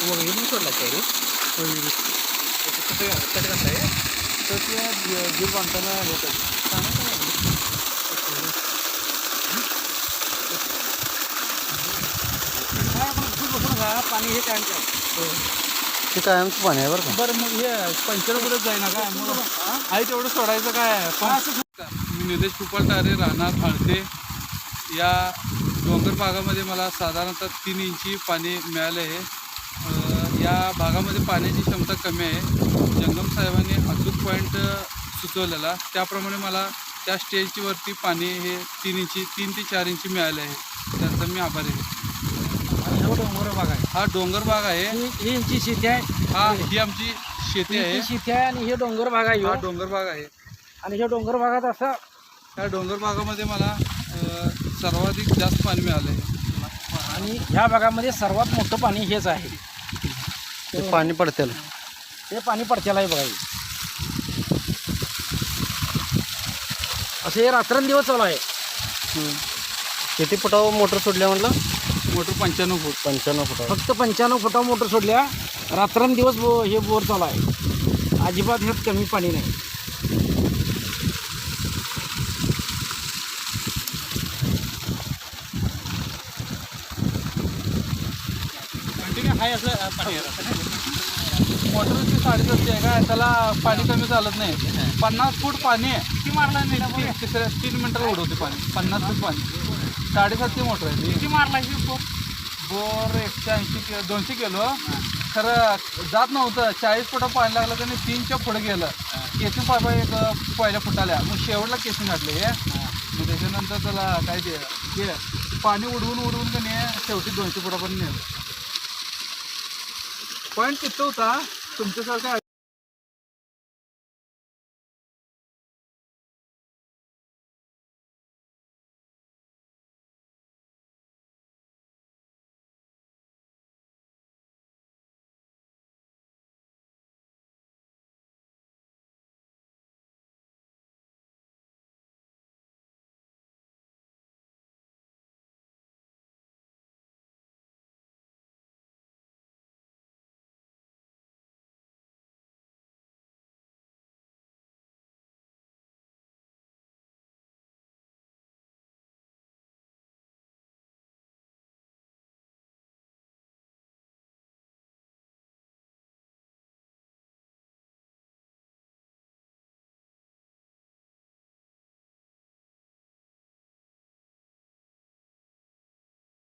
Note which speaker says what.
Speaker 1: वगैरे सोडला काय कट करताय तर ते जीव बांधताना होतं पाणी हे काय
Speaker 2: ते कायमचं पाणी आहे बरं का.
Speaker 1: बरं मग हे पंचर कुठं जाईना काय मग आई तेवढं सोडायचं काय मी निलेश कुपलटारे राहणार आळते या डोंगर भागामध्ये मला साधारणतः 3 इंची पाणी मिळाले आहे. या भागामध्ये पाण्याची क्षमता कमी आहे. जंगम साहेबांनी अचूक पॉईंट सुचवलेला त्याप्रमाणे मला त्या स्टेजवरती पाणी हे 3 ते 4 इंची मिळाले आहे. त्याचा मी आभारी आहे.
Speaker 3: डोंगर भाग आहे
Speaker 1: हा डोंगर भाग आहे.
Speaker 3: ही यांची शेती आहे.
Speaker 1: हा ही आमची शेती आहे.
Speaker 3: शेती आहे आणि हे डोंगर भाग आहे
Speaker 1: हा डोंगर भाग आहे.
Speaker 3: आणि हे डोंगर भागात असं
Speaker 1: या डोंगर भागामध्ये मला सर्वाधिक जास्त पाणी मिळालं आहे.
Speaker 3: आणि ह्या भागामध्ये सर्वात मोठं पाणी हेच आहे.
Speaker 2: ते पाणी पडतेल
Speaker 3: हे पाणी पडतेला आहे बघा. असं हे रात्रंदिवस चालू आहे.
Speaker 2: किती फुटावर मोटर सोडल्या म्हटलं.
Speaker 1: Motor 95 foot.
Speaker 2: 95 फुटावर.
Speaker 3: फक्त 95 फुटावर मोटर सोडल्या. रात्रंदिवस हे बोर चालू आहे. अजिबात ह्यात कमी पाणी नाही.
Speaker 1: कंटिन्यू हाय असं पाणी मोटरची साडी असते काय त्याला पाणी कमी चालत नाही. 50 फूट पाणी किती मारला नाही तिसऱ्या 3 मिनिटाला उडवते पाणी. 50 फूट पाणी 7.5 मोटर आहे.
Speaker 3: किती मारला
Speaker 1: बोर 180 200 किलो खरं जात नव्हतं. 40 फुटा पाणी लागलं का नाही 3च्या पुढे गेलं. केसिंग पाईप एक पहिल्या फुटाल्या मग शेवटला केसिंग घातले हे. मग त्याच्यानंतर त्याला काय ते पाणी उडवून का नाही शेवटी 200 फुटापर्यंत नेलं. पॉईंट किती होता तुमच्यासारखा